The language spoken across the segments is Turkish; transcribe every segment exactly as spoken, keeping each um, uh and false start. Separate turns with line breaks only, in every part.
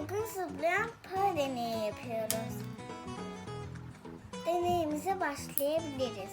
Bugün zıplayan para deneyi yapıyoruz. Deneyimize başlayabiliriz.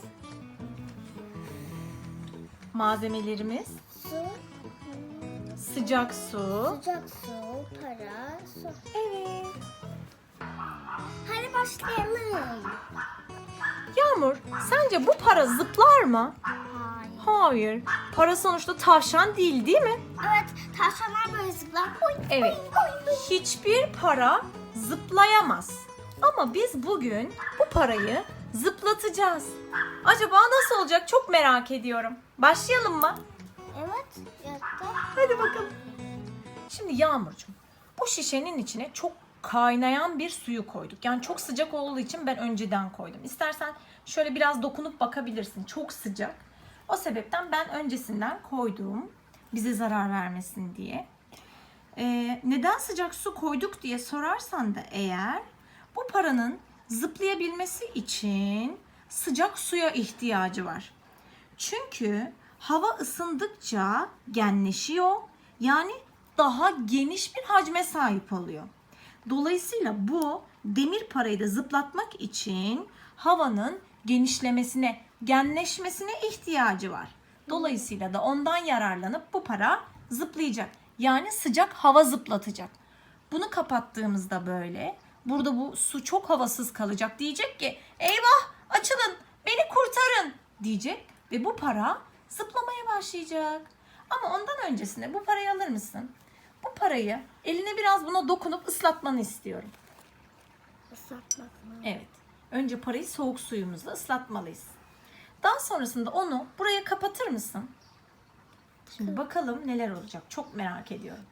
Malzemelerimiz
Su,
sıcak su.
sıcak su, para, su. Evet. Hadi başlayalım.
Yağmur, sence bu para zıplar mı?
Hayır.
Hayır. Para sonuçta tavşan değil, değil mi?
Evet, tavşanlar böyle zıplar. Oy,
Evet.
oy, oy, oy.
Hiçbir para zıplayamaz. Ama biz bugün bu parayı zıplatacağız. Acaba nasıl olacak çok merak ediyorum. Başlayalım mı?
Evet, yattı.
Hadi bakalım. Şimdi Yağmurcuğum, bu şişenin içine çok kaynayan bir suyu koyduk. Yani çok sıcak olduğu için ben önceden koydum. İstersen şöyle biraz dokunup bakabilirsin. Çok sıcak. O sebepten ben öncesinden koydum. Bize zarar vermesin diye. Ee, neden sıcak su koyduk diye sorarsan da eğer, bu paranın zıplayabilmesi için sıcak suya ihtiyacı var. Çünkü hava ısındıkça genleşiyor. Yani daha geniş bir hacme sahip oluyor. Dolayısıyla bu demir parayı da zıplatmak için havanın genişlemesine, genleşmesine ihtiyacı var. Dolayısıyla da ondan yararlanıp bu para zıplayacak. Yani sıcak hava zıplatacak. Bunu kapattığımızda böyle, burada bu su çok havasız kalacak. Diyecek ki eyvah açılın beni kurtarın diyecek ve bu para zıplamaya başlayacak. Ama ondan öncesinde bu parayı alır mısın? Bu parayı eline biraz buna dokunup ıslatmanı istiyorum.
Islatmak mı?
Evet. Önce parayı soğuk suyumuzla ıslatmalıyız. Daha sonrasında onu buraya kapatır mısın? Şimdi bakalım neler olacak. Çok merak ediyorum.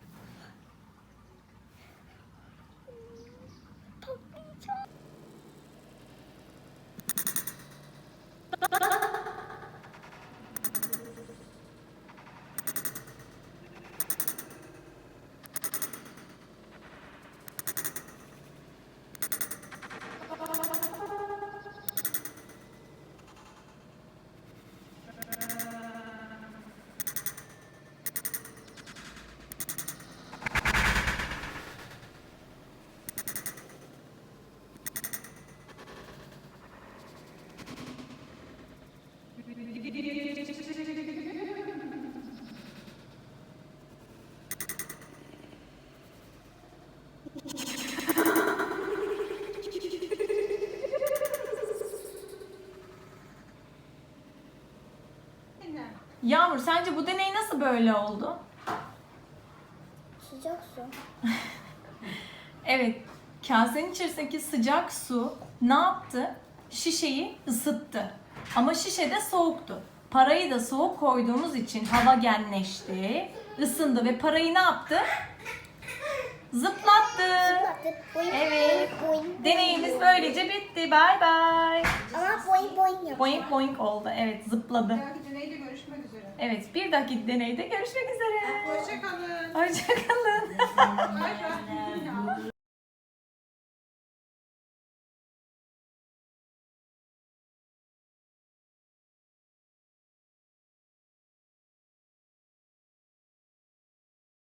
Yağmur, sence bu deney nasıl böyle oldu?
Sıcak su.
Evet, kasenin içerisindeki sıcak su ne yaptı? Şişeyi ısıttı. Ama şişe de soğuktu. Parayı da soğuk koyduğumuz için hava genleşti, ısındı ve parayı ne yaptı? Zıplattı.
Zıplattı. Boing,
Evet.
boing, boing,
Deneyimiz
boing.
böylece bitti. Bay bay.
Ama boing boing yapıyor.
Boing boing oldu. Evet, zıpladı.
Bir dahaki deneyde görüşmek üzere.
Evet, bir dahaki deneyde görüşmek üzere.
Hoşça kalın.
Hoşça kalın.
Bay bay.